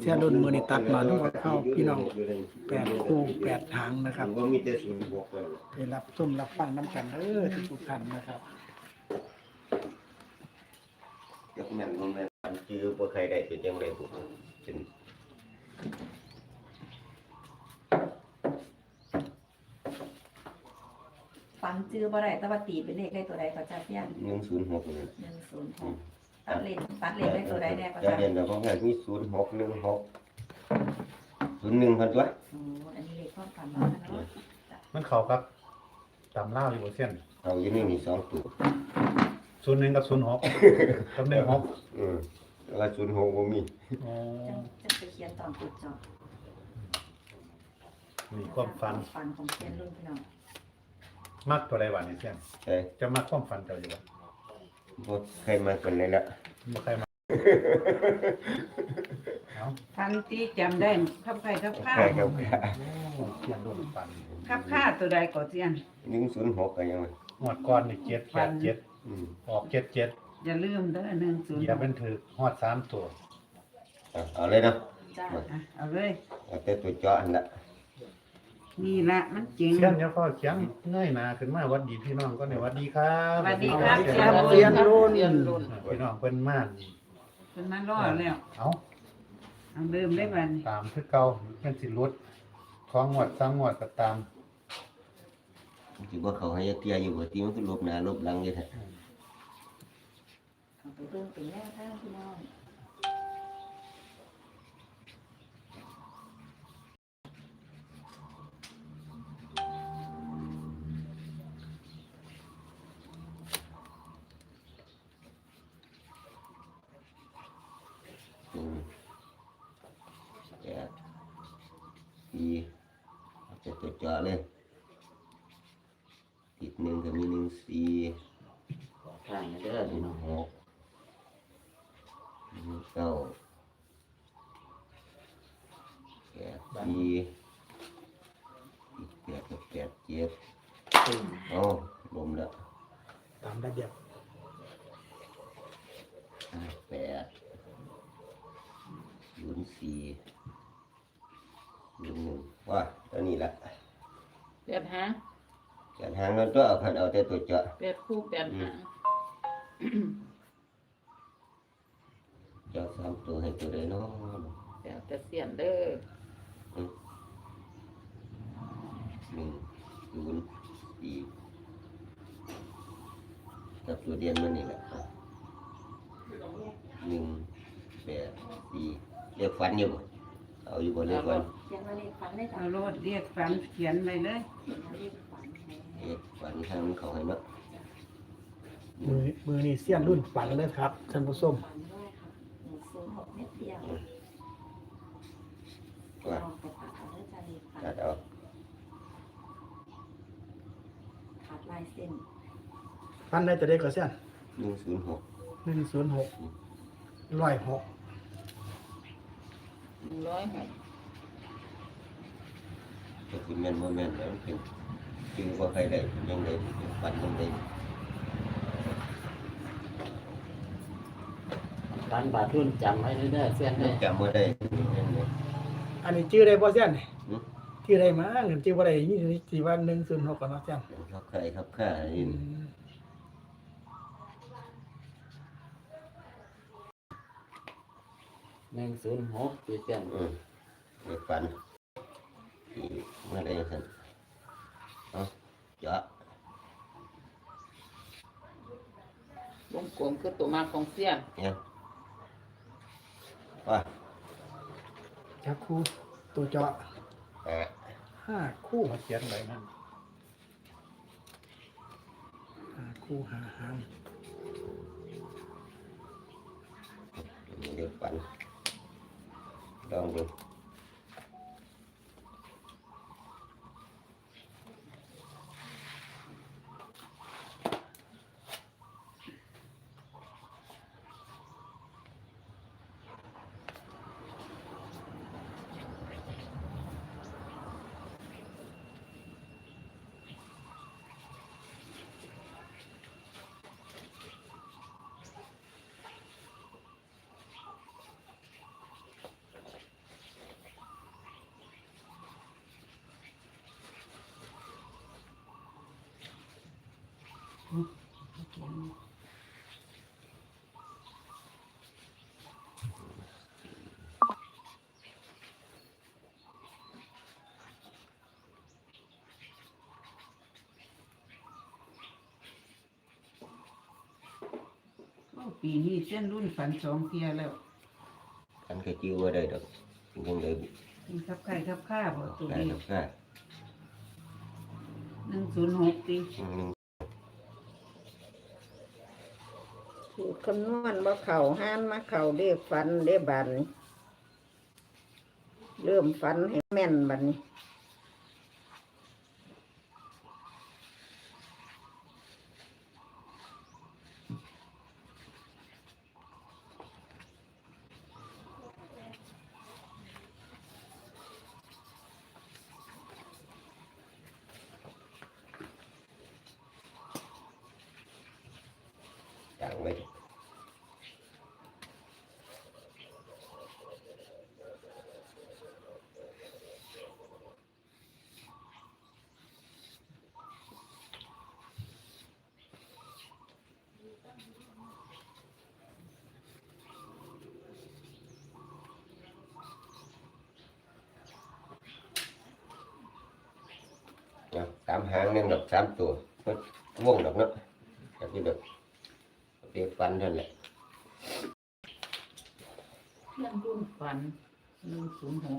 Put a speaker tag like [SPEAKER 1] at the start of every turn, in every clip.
[SPEAKER 1] สียรุ่นมือนี่ตัดมาทั้งหมดเข้าพี่น้อง8 คู่ 8 หางนะครับไปรับชมรับฟังน้ำกันทุกท่านนะครับ
[SPEAKER 2] ยกแม่นแม่นจื้อบ่เคยได้เป็นจังได๋ปุ๊บเป็น
[SPEAKER 3] ฝันจื้อบ่ได้แต่ว่าตีเป็นเลขได้ตัวใดก็จะเพี้ยน
[SPEAKER 2] 106นี่
[SPEAKER 3] 106ตัดเลขได้ตัวใดแน่ก็
[SPEAKER 2] จะ
[SPEAKER 3] จะ
[SPEAKER 2] เรียนแล้วของงานมี0616 01พันตัว
[SPEAKER 3] โอ้อันนี้เลขความฝันเนาะ
[SPEAKER 4] มันเข้ากับตำเล่าอยู่บ่เส้น
[SPEAKER 2] เอาอยู่นี่มี2ตัว
[SPEAKER 4] 01กับ06กับ16
[SPEAKER 2] แล้ว06บ่มี
[SPEAKER 4] อ๋อ
[SPEAKER 3] จะไปเขียนตอนจุดจบ
[SPEAKER 4] นี่ความฝัน
[SPEAKER 3] ของเขียนรุ่นพี่น้อง
[SPEAKER 4] มักตัวใดวะนี่เส้น
[SPEAKER 2] ใช่
[SPEAKER 4] จะมักความฝันเจ้าอยู่บ่
[SPEAKER 2] บ่เคยมาคนเลยละ
[SPEAKER 4] บ่ใครมาเอ้า
[SPEAKER 5] ทันที่จำได้ขับไข่ขับข้า
[SPEAKER 2] ใช่ครับ
[SPEAKER 4] โอ้เขียนรุ่นฝัน
[SPEAKER 5] ขับข้าตัวใดก่อนเสียน
[SPEAKER 2] 106ก็ยัง
[SPEAKER 4] งวดก่อนนี่787ออก77
[SPEAKER 5] อย่าลืมเด้อ1
[SPEAKER 4] อย่า
[SPEAKER 5] 0
[SPEAKER 4] เป็นถือฮอด3ตัว
[SPEAKER 2] เอาเลยเนาะ
[SPEAKER 3] จ้า
[SPEAKER 5] เอาเลย
[SPEAKER 2] เอาแต่ตัวเจาะอันละ
[SPEAKER 5] นี่ละมันจริง
[SPEAKER 4] เขียนอย่าพอเขียนเงยหน้าขึ้นมาหวัดดีพี่น้องก็เนี่ยหวัดดีครับ
[SPEAKER 5] สวัสดีครับ
[SPEAKER 1] เสียรุ่น
[SPEAKER 4] พี่น้องเพิ่นมานี่
[SPEAKER 5] เป็นมารอแล้ว
[SPEAKER 4] เอ้า
[SPEAKER 5] เอาเริ่มได้บัดนี้
[SPEAKER 4] ตามคือเก่าเป็นสิลดของงวด3งวดก็ตาม
[SPEAKER 2] สิบ่เขาให้เตี้ยอยู่บ่ติมันคือลบหน้าลบหลังอยู่แท้
[SPEAKER 3] เอาไปเบิ่งเป็นแนวทางพี่น้อง
[SPEAKER 2] 8 4เอาแต่ตัวเจาะเลยติด1ก็มี14ข้างเด้อ16 9 8 4อีก8กับ8 7เอาลมแล้ว
[SPEAKER 1] ตามระเบียบ
[SPEAKER 2] 8 04 01ว่าตัวนี้ละ
[SPEAKER 6] 8 หาง
[SPEAKER 2] การหางนั้นตัวเอาคันเอาแต่ตัวเจาะ
[SPEAKER 6] 8 คู่ 8 หาง
[SPEAKER 2] เจาะ3ตัวให้ตัวใดเนาะ
[SPEAKER 6] แล้วแต่เสียนเด้อ
[SPEAKER 2] 104กับตัวเดียนมันนี่แหละ1 8 4เรียกฝันอยู่บ่เอาอยู่บ่เรียกฝัน
[SPEAKER 3] เขียนว่าเลขฝันได้จ้ะ
[SPEAKER 5] เอาโลดเรียกฝันเขียนไปเลย
[SPEAKER 3] เขียนว่าเลขฝันให้
[SPEAKER 2] เรียกฝันทางเขาให้เนาะ
[SPEAKER 1] มือนี่เสียรุ่นฝันเลยครับท่านผู้ชม
[SPEAKER 3] ฝันด้วยค่ะ106เม็ดเดียว
[SPEAKER 2] ว่า
[SPEAKER 3] ลองไปตัดเอาด้วยจ้าเลขฝัน
[SPEAKER 2] ตัดเอา
[SPEAKER 3] ขาดลายเส้น
[SPEAKER 1] ฝันได้ตัวเด็กก็เสียน
[SPEAKER 2] 106
[SPEAKER 1] 106 106
[SPEAKER 6] 106
[SPEAKER 2] ก็คือแม่นบ่แม่นแล้วมันเป็นจึงว่าใครได้ยังไงฝันยังไง
[SPEAKER 7] การบาดรุ่นจำไว้เรื่อยๆเส้นเลย
[SPEAKER 2] จำบ่ได้ยังไง
[SPEAKER 1] อันนี้ชื่อได้บ่เสียน
[SPEAKER 2] หือ
[SPEAKER 1] ชื่อได้มาเงินชื่อบ่ได้ยี่สิบวัน106กันเนาะเสียน
[SPEAKER 2] เขาใครครับข้านี่
[SPEAKER 7] 106คือเส้น
[SPEAKER 2] เด็กฝันที่เมื่อไรสันเอาเจาะ
[SPEAKER 6] วงกลมคือตัวมาของเสียน
[SPEAKER 2] เนี่ยว่า
[SPEAKER 1] จับคู่ตัวเจาะ 5 คู่
[SPEAKER 4] มาเขียนไว้นั่น
[SPEAKER 1] 5 คู่5 หาง
[SPEAKER 2] เด็กฝันลองดู
[SPEAKER 5] ปีนี้เส้นรุ่นฝัน2 เที่ยแล้ว
[SPEAKER 2] อันก็จื้อว่าได้ดอกยังได้
[SPEAKER 5] มีครับใครครับข้าบ่ตัว
[SPEAKER 2] ได้
[SPEAKER 5] นี้
[SPEAKER 2] ดอกค่ะ
[SPEAKER 5] 106ติ
[SPEAKER 8] สูตรคำนวณบ่เข่าห้านมาเข่าเรียกฟันเรียบันเริ่มฟันให้แม่นบัดนี้
[SPEAKER 2] จังไว้สามหางหนึ่งดอก3 ตัววงดอกเนาะแบบนี้ดอกเรียกฟันเท่านั้นแหละ
[SPEAKER 6] เพื่อนรุ่นฝัน106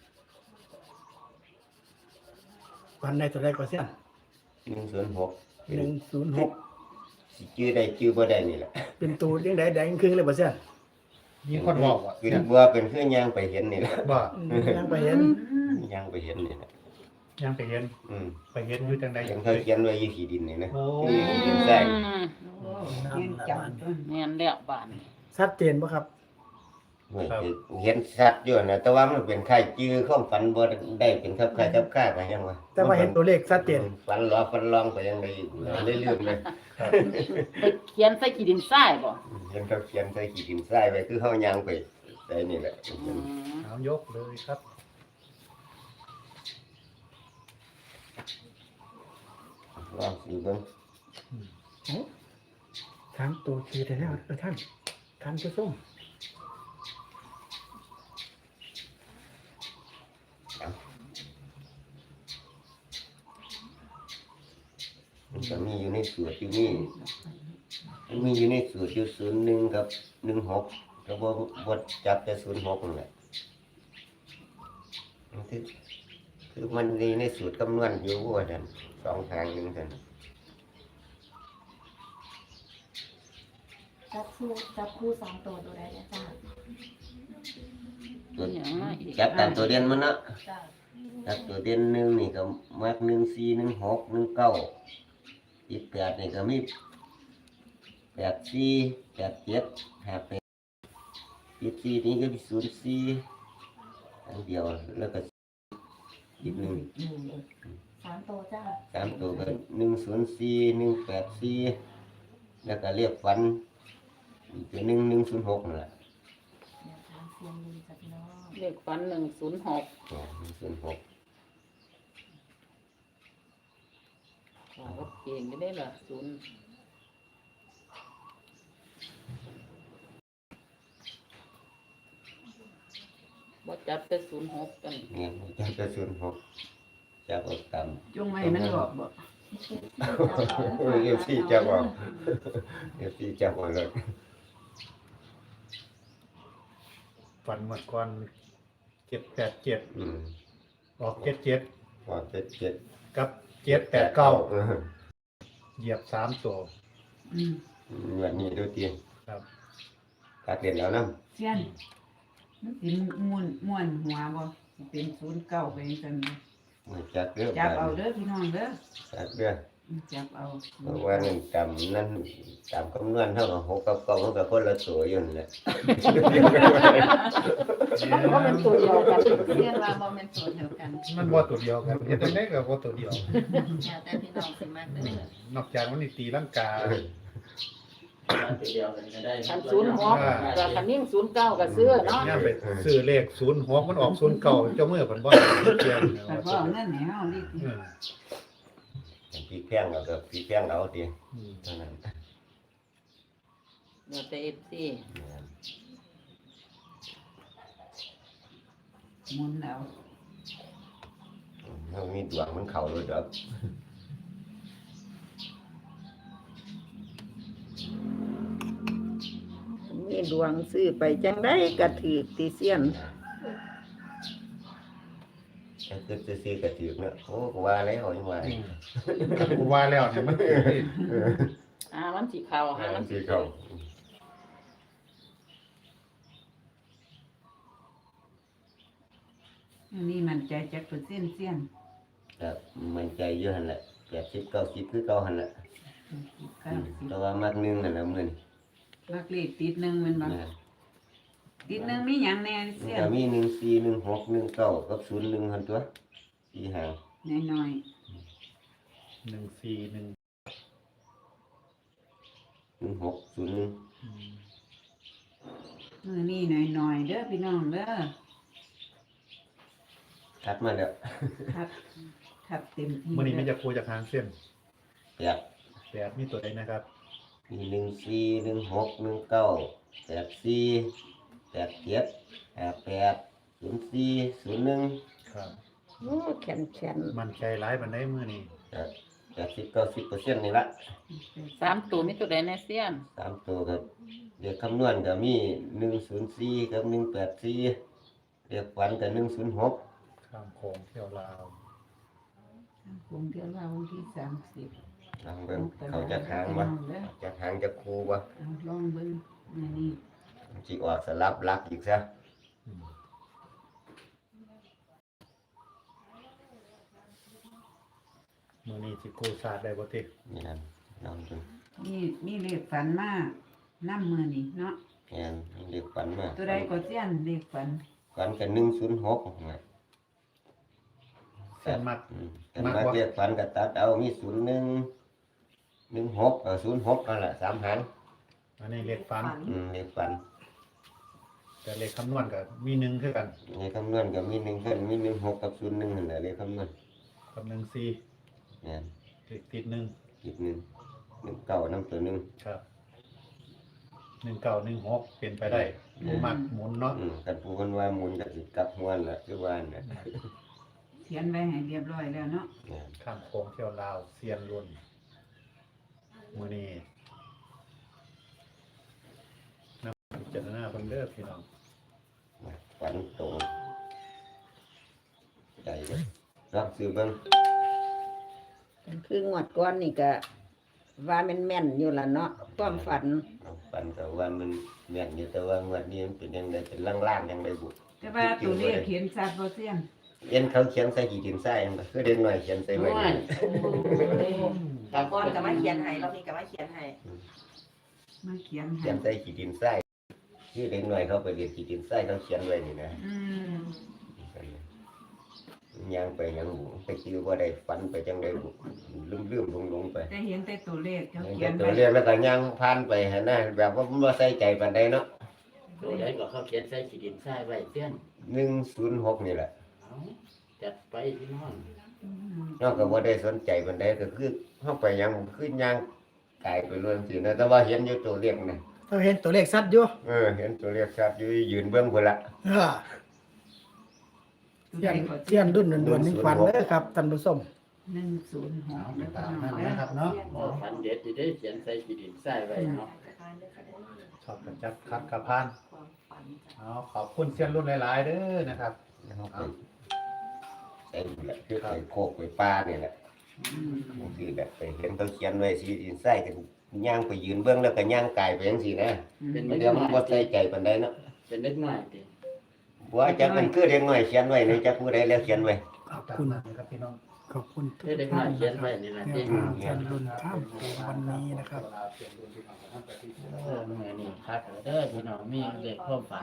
[SPEAKER 1] วันได้ตัวใดก็เสี้ยน
[SPEAKER 2] 106
[SPEAKER 1] 106
[SPEAKER 2] สิจื้อได้จื้อบ่ได้นี่แหละ
[SPEAKER 1] เป็นตัวยังไดแดงครึ่งเลยบ่เสี้ยน
[SPEAKER 4] มีคนบอกว่า
[SPEAKER 2] คือบัวเป็นคือย่างไปเห็นนี่แหละ
[SPEAKER 4] บ่
[SPEAKER 1] ยังไปเห็น
[SPEAKER 2] ย่างไปเห็นนี่แหละ
[SPEAKER 4] ยังไปเห็น
[SPEAKER 2] อืม
[SPEAKER 4] ไปเห็นอยู่จังใด
[SPEAKER 2] ยังเขาเขียนไว้อยู่ที่ดินนี่นะ
[SPEAKER 4] โอ้
[SPEAKER 2] ที่ดินใต้
[SPEAKER 5] โอ้เงินจังต้น
[SPEAKER 6] แม่นแล้วบ้าน
[SPEAKER 1] ชัดเจนบ่ครับ
[SPEAKER 2] เห็นชัดอยู่นะแต่ว่ามันเป็นไข่จื้อข้อมฝันบ่ได้เป็นทับไข่ทับข้าไปยังวะ
[SPEAKER 1] แต่ว่าเห็นตัวเลขชัดเจน
[SPEAKER 2] ฝันล้อฝันลองไปยังไงเรื่อยๆเลย
[SPEAKER 6] ไปเขียนใส่ขีดินทรายบ่
[SPEAKER 2] เห็นเขาเขียนใส่ขีดินทรายไว้คือเฮาย่างไปได้นี่แหละ
[SPEAKER 4] เอายกเลยครับ
[SPEAKER 2] ลองสิเบิ่ง
[SPEAKER 1] ถามตัวทีแต่แล้วท่านผู้ชม
[SPEAKER 2] มันก็มีอยู่ในสูตรอยู่นี่มันมีอยู่ในสูตรอยู่01กับ16แล้วบ่จับแต่06นั่นแหละมันคือมันมีในสูตรคำนวณอยู่ว่าซั่น2ทางนึงซั่น
[SPEAKER 3] จับคู่2 ตัวใดเนี่ยจ้า
[SPEAKER 2] ตัว
[SPEAKER 6] อย่างมาอีก
[SPEAKER 2] จับตามตัวเด่นมันเนาะ
[SPEAKER 3] จ้า
[SPEAKER 2] จับตัวเด่น1นี่ก็มัก14 16 19 18นี่ก็มี84 87 58 14นี่ก็มี04อันเดียวแล้วก็อีกหนึ่ง
[SPEAKER 3] 3 ตัวจ้า
[SPEAKER 2] 3ตัวก็104 184แล้วก็เรียกฟันอีกตัว1 106นั่นแหละ
[SPEAKER 3] แนวทางเสียงดีจ้ะพี่น้อง
[SPEAKER 6] เลขฝัน106
[SPEAKER 2] 106
[SPEAKER 6] ก็เก่งก็ได้ล่ะบ่จับแต่06กัน
[SPEAKER 2] เนี่ยจับแต่06จับเอาตาม
[SPEAKER 5] จงไว้มันออกบ่
[SPEAKER 2] FC จับเอา FC จับเอาเลย
[SPEAKER 4] ฝันหมดก่อน787
[SPEAKER 2] อืม
[SPEAKER 4] ออก77
[SPEAKER 2] พอ77
[SPEAKER 4] กับ789เหยียบ3 ตัว
[SPEAKER 5] อืม
[SPEAKER 2] แบบนี้ดูตี
[SPEAKER 4] ครับ
[SPEAKER 2] ตัดเรียนแล้วนะ
[SPEAKER 5] เสี้ยนมันสิม่วนหัวบ่สิเป็น09ไปจังซั่น
[SPEAKER 2] จัดเรื่อง
[SPEAKER 5] จับเอาเด้อพี่น้องเด้อ
[SPEAKER 2] จัดเรื่อง
[SPEAKER 5] จับเอา
[SPEAKER 2] เพราะว่านั่นตามนั้นตามคำนวณเท่ากับ6กับ9มันก็คนละตัวอยู่นั่นแหละ
[SPEAKER 6] เพราะมันตัวเดียวกัน
[SPEAKER 3] เรียนว่าบ่แม่นตัวเดียวกัน
[SPEAKER 4] มันบ่ตัวเดียวกันเฮ็ดจังได๋ก็บ่ตัวเดียว
[SPEAKER 3] แล้วแต่พี่น้องสิมักเด้อ
[SPEAKER 4] นอกจากมันนี่ตีลังกา
[SPEAKER 7] ตัวเดียวกันก็ได้
[SPEAKER 6] คัน06กับคันนิ่ง09ก็ซื้อเนาะ
[SPEAKER 4] ย่ามไปซื้อเลข06มันออก09เจ้ามือเพิ่นบ่เกี่ยว
[SPEAKER 5] แต่พ่อนั่นให้เฮานี่
[SPEAKER 2] พี่แพงเอาก็พี่แพงเอาตีเท่านั้น
[SPEAKER 6] เดี๋ยวแต่ FC
[SPEAKER 5] หมุนเอา
[SPEAKER 2] เรามีดวงมันเข่าเลยดอก
[SPEAKER 8] ดวงซื้อไปจังได้กระถือติเสียน
[SPEAKER 2] ถ้าเกิดจะซื้อกระถือเนาะโอ้ก็ว่าแล้วยังว่า
[SPEAKER 4] กูว่าแล้วเนี่ยมันคือที่
[SPEAKER 6] มันสีขาว
[SPEAKER 2] มันสิเข้า
[SPEAKER 5] อันนี้มันใจจักเปอร์เซ็นต์เสี้ยน
[SPEAKER 2] ครับมันใจเยอะหั่นแหละ80 90คือเก่าหั่นแหละ
[SPEAKER 5] 90
[SPEAKER 2] แต่ว่ามักหนึงนั่นน่ะมื้อนี้
[SPEAKER 5] ลักเลขติดหนึ่งแมันบ่
[SPEAKER 2] นะ
[SPEAKER 5] ติดหนึ่งมีหยังแน่
[SPEAKER 2] มัน
[SPEAKER 5] เสี้ย
[SPEAKER 2] ก็
[SPEAKER 5] น
[SPEAKER 2] มี14 16 19กับ01หั่นตัว4หาง
[SPEAKER 5] น้อย
[SPEAKER 4] 141
[SPEAKER 2] 16 01
[SPEAKER 5] ๆมือนี้น้อยๆเด้อพี่น้องเด้อ
[SPEAKER 2] คัดมาแล้ว
[SPEAKER 5] ทับเต็มที่
[SPEAKER 4] มื้อนี้มันจะคูจากทางเส้น
[SPEAKER 2] แบบ
[SPEAKER 4] แบบมีตัวใดนะครับ
[SPEAKER 2] มี14 16 19 84 87 58 04 01
[SPEAKER 4] ครับ
[SPEAKER 8] โอ้แขนแขน
[SPEAKER 4] มันใจร้ายปานใดมื้อนี้
[SPEAKER 2] 80-90%นี่ละ
[SPEAKER 6] 3ตัวมีตัวใดแน่เสี้ยน
[SPEAKER 2] 3ตัวครับเรียกคำนวณก็มี104กับ184เรียกฝันก็106
[SPEAKER 4] ข้ามโขงเที่ยวลาว
[SPEAKER 5] คงเดี๋ยวเราวันที่30
[SPEAKER 2] ลองเบิ่งเขาจะหางบ่จะหางจะคูบ่
[SPEAKER 5] เอาลองเบิ่งมื้อนี้
[SPEAKER 2] สิออกสลับหลักอีกซะ
[SPEAKER 4] มื้อนี้สิกู้ชาติได้บ่ติ
[SPEAKER 2] นี่นั่นลองดู
[SPEAKER 5] มีเลขฝันมานํมื้อนี้เนาะ
[SPEAKER 2] แม่นเรียกฝันมา
[SPEAKER 5] ตัวใดก็เสี้ยนเลขฝัน
[SPEAKER 2] ฝันก็106นะ
[SPEAKER 4] เส้นมัก
[SPEAKER 2] กันมาเรียกฝันก็ตัดเอามี01 16 06นั่นแหละ3หาง
[SPEAKER 4] อันนี้เลขฝัน
[SPEAKER 2] เรียกฝัน
[SPEAKER 4] แต่เลขคำนวณก็มี1คือกัน
[SPEAKER 2] ในคำนวณก็มี1ขึ้นมี16กับ01นั่นแหละเลขคำนวณ
[SPEAKER 4] กับ14
[SPEAKER 2] แม่น
[SPEAKER 4] เลขติด1
[SPEAKER 2] อีก19นำตัวหนึง
[SPEAKER 4] ครับ1916เป็นไปได้บ่มักหมุนเนาะ
[SPEAKER 2] กันผู้คนว่าหมุนก็สิกลับหัวน่ะคือว่าน่ะ
[SPEAKER 5] เขียนไว้ให้เรียบร้อยแล้วเนาะ
[SPEAKER 4] ข้ามโขงเที่ยวลาวเซียนรุ่นมื้อนี้นำพิจารณาเบิ่งเด้อพี่น้อง
[SPEAKER 2] ฝันตรงใจเลยรับซื้อเบิ่ง
[SPEAKER 8] คืองวดก้อนนี่ก็ว่าแม่นๆอยู่ล่ะเนาะความฝัน
[SPEAKER 2] ฝันก็ว่ามันแม่นอยู่แต่ว่างวดนี้มันเป็นจังไดเป็นล่างๆจังไดบุ
[SPEAKER 5] แต่ว่าตัวเลขเขียนชัดบ่เสี้ยน
[SPEAKER 2] เอ็นเขาเขียนใส่ขีดดินทรายมันก็คือเด็กน้อยเขียนใส่ไว้นี่
[SPEAKER 3] ตอนก่อนก็มาเขียนให้รอบนี้ก็มาเขียนให้
[SPEAKER 5] มาเขียน
[SPEAKER 2] เขี
[SPEAKER 5] ให้
[SPEAKER 2] ยนใส่ขีดดินทรายคือเด็กน้อยเขาไปเรียนขีดดินทรายเขาเขียนไว้นี่นะ
[SPEAKER 5] อืม
[SPEAKER 2] ย่างไปยังบุไปคือว่าได้ฝันไปจังไดบุลืมๆลงๆไป
[SPEAKER 5] แต่เห็นแต่ตัวเลขเขาเขี
[SPEAKER 2] เขี
[SPEAKER 5] ย
[SPEAKER 2] ย
[SPEAKER 5] น
[SPEAKER 2] นตัว
[SPEAKER 5] ไว้
[SPEAKER 2] เรียนแล้วก็ย่างผ่านไปหั่นนะแบบว่าบ่ใส่ใจปานใดเนาะ
[SPEAKER 7] ตัวใดก็เขาเขียนใส่ขีดินทรายไว้เสี้ยน
[SPEAKER 2] 106นี่แหละ
[SPEAKER 7] เอาจัดไปพี่น้อง
[SPEAKER 5] อืม
[SPEAKER 2] นอกจากว่าได้สนใจปานใดก็คือเฮาไปยังคือย่างกายไปเรื่องสินะแต่ว่าเห็นอยู่ตัวเลขนี่
[SPEAKER 1] เราเห็นตัวเลขชัดอยู่
[SPEAKER 2] เห็นตัวเลขชัดอยู่ยืนเบิ่งพุ่นละ
[SPEAKER 1] เออ
[SPEAKER 5] ตัว
[SPEAKER 1] เสี้
[SPEAKER 5] ใด
[SPEAKER 1] ยน
[SPEAKER 5] ก็
[SPEAKER 1] เสี้ยนดุนด่วนๆนี่ฝันเด้อครับท่านผู้ชม
[SPEAKER 5] 106
[SPEAKER 4] เอา
[SPEAKER 5] แล้วก็
[SPEAKER 4] ตาม
[SPEAKER 5] น้
[SPEAKER 4] นั้
[SPEAKER 5] อน ง
[SPEAKER 4] นะครับเนาะ
[SPEAKER 7] ฟันเด็ดจะได้เขียนใส่ขีดินทรายไว้เนาะ
[SPEAKER 4] ชอบกันจัดคัดกระพาน
[SPEAKER 3] ความฝันจ้ะ
[SPEAKER 4] เอาขอบคุณเซียนรุ่นหลายๆเด้อนะครับ
[SPEAKER 2] เฮาไปใส่นี่แหละคือไปโคกไปป่านี่แหละคือแบบไปเห็นเขาเขียนไว้สิอินไส้กันย่างไปยืนเบิ่งแล้วก็ย่างกายไปจังซี่นะ
[SPEAKER 7] เป็น
[SPEAKER 2] เดี๋ยวมันบ่ใส่ใจปานใดเนาะ
[SPEAKER 7] เป็นเล็กน้อยติ
[SPEAKER 2] ว่าจักมันคือเด็กน้อยเขียนไว้นี่จักผู้ใดแล้วเขียนไว้
[SPEAKER 1] ขอบ
[SPEAKER 4] ตาม
[SPEAKER 1] คุณ
[SPEAKER 4] นั้นครับพี่น้อง
[SPEAKER 1] ขอบคุณทุก
[SPEAKER 7] เล็กน้
[SPEAKER 1] ท่า
[SPEAKER 7] อย
[SPEAKER 1] น
[SPEAKER 7] เขีย
[SPEAKER 1] นะ
[SPEAKER 7] น
[SPEAKER 1] ค
[SPEAKER 7] ไว้
[SPEAKER 1] รับ
[SPEAKER 7] นี่แหละ
[SPEAKER 1] แน
[SPEAKER 7] ติ
[SPEAKER 1] วทางท่านรุ่นข้ามโขงวันนี้นะครับ
[SPEAKER 7] เมื่อนี่ครับเด้อพี่น้องมีเลขความฝัน